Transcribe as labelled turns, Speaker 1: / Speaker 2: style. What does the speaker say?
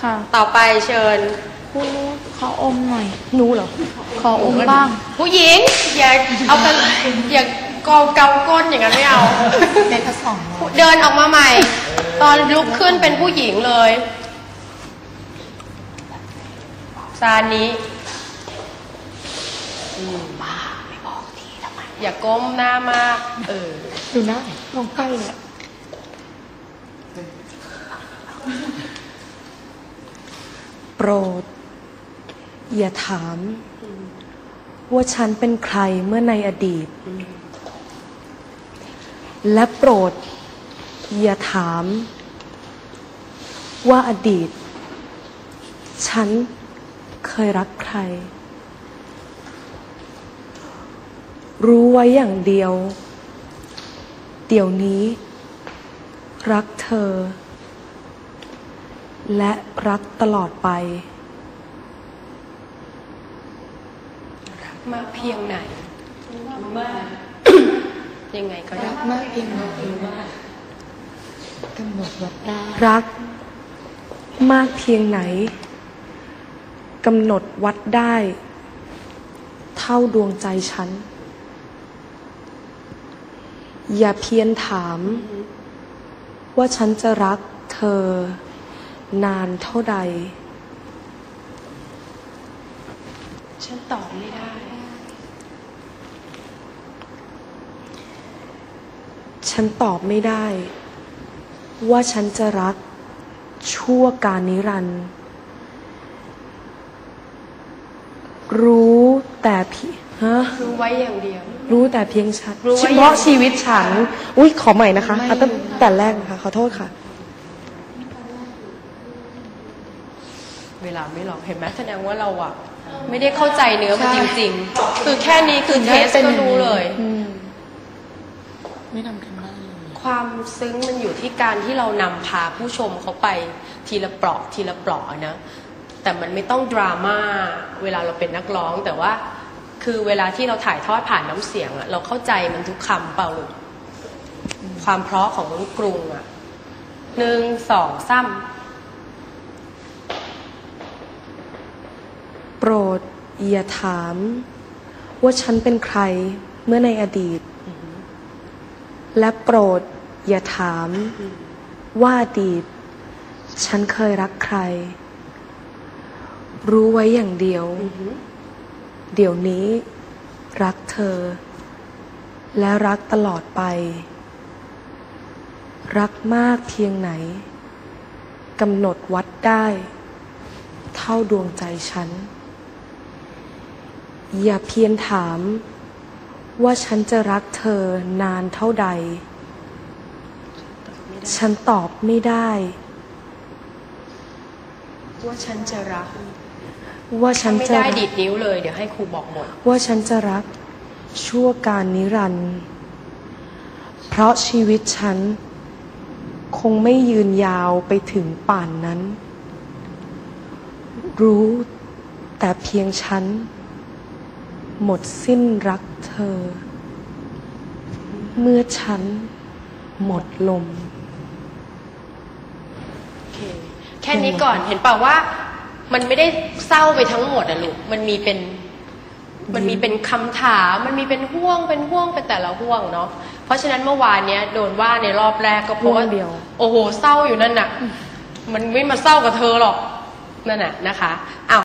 Speaker 1: ค่ะ
Speaker 2: ต่อไปเชิญ
Speaker 1: ขออมหน่อยหนูเหรอขออมบ้าง
Speaker 2: ผู้หญิงอย่าเอากันอย่าเกาก้นอย่างนั้นไม่เอา
Speaker 1: เป็นผสม
Speaker 2: เดินออกมาใหม่ ตอนลุกขึ้นเป็นผู้หญิงเลยซานี้
Speaker 1: บ้าไม่บอกทีทำไม
Speaker 2: อย่าก้มหน้ามาก
Speaker 1: ดูหน้าลงใกล้เลยโปรดอย่าถามว่าฉันเป็นใครเมื่อในอดีตและโปรดอย่าถามว่าอดีตฉันเคยรักใครรู้ไว้อย่างเดียวเดี๋ยวนี้รักเธอและรักตลอดไป
Speaker 2: มากเพียงไหนมากยังไงก็ได้
Speaker 1: มากเพียงไหนกำหนดวัดได้รักมากเพียงไหนกำหนดวัดได้เท่าดวงใจฉันอย่าเพียรถามว่าฉันจะรักเธอนานเท่าใด
Speaker 2: ฉันตอบไม่ได้
Speaker 1: ฉันตอบไม่ได้ว่าฉันจะรักชั่วกาลนิรันดร์รู้แต่
Speaker 2: รู้ไว้อย่างเดียว
Speaker 1: รู้แต่เพียงฉันเฉพาะชีวิตฉันอุ้ยขอใหม่นะคะเอาตั้งแต่แรกนะคะขอโทษค่ะ
Speaker 2: เวลาไม่หรอกเห็นไหมแสดงว่าเราอะไม่ได้เข้าใจเนื้อมันจริงๆคือแค่นี้คือเทสก็รู้เลย
Speaker 1: ไม่ทำกันบ้านเลย
Speaker 2: ความซึ้งมันอยู่ที่การที่เรานำพาผู้ชมเขาไปทีละเปราะทีละเปราะนะแต่มันไม่ต้องดราม่าเวลาเราเป็นนักร้องแต่ว่าคือเวลาที่เราถ่ายทอดผ่านน้ำเสียงอะเราเข้าใจมันทุกคำเปล่าลูกความเพราะของลูกกรุงอะ1 2 3
Speaker 1: โปรดอย่าถามว่าฉันเป็นใครเมื่อในอดีตและโปรดอย่าถามว่าอดีตฉันเคยรักใครรู้ไว้อย่างเดียวเดี๋ยวนี้รักเธอและรักตลอดไปรักมากเพียงไหนกำหนดวัดได้เท่าดวงใจฉันอย่าเพียรถามว่าฉันจะรักเธอนานเท่าใดฉันตอบไม่ได้
Speaker 2: ว่าฉันจะรัก
Speaker 1: ว่าฉันจะ
Speaker 2: ไม่ได้ดีดนิ้วเลยเดี๋ยวให้ครูบอกหมด
Speaker 1: ว่าฉันจะรักชั่วกาลนิรันดร์เพราะชีวิตฉันคงไม่ยืนยาวไปถึงป่านนั้นรู้แต่เพียงฉันหมดสิ้นรักเธอเมื่อฉันหมดลม
Speaker 2: แค่นี้ก่อนเห็นเปล่าว่ามันไม่ได้เศร้าไปทั้งหมดอะลูกมันมีเป็นคำถามมันมีเป็นห่วงเป็นแต่ละห่วงเนาะเพราะฉะนั้นเมื่อวานเนี้ยโดนว่าในรอบแรกก็เพราะว่าโอ้โหเศร้าอยู่นั่นน่ะมันไม่มาเศร้ากับเธอหรอกนั่นน่ะนะคะอ้าว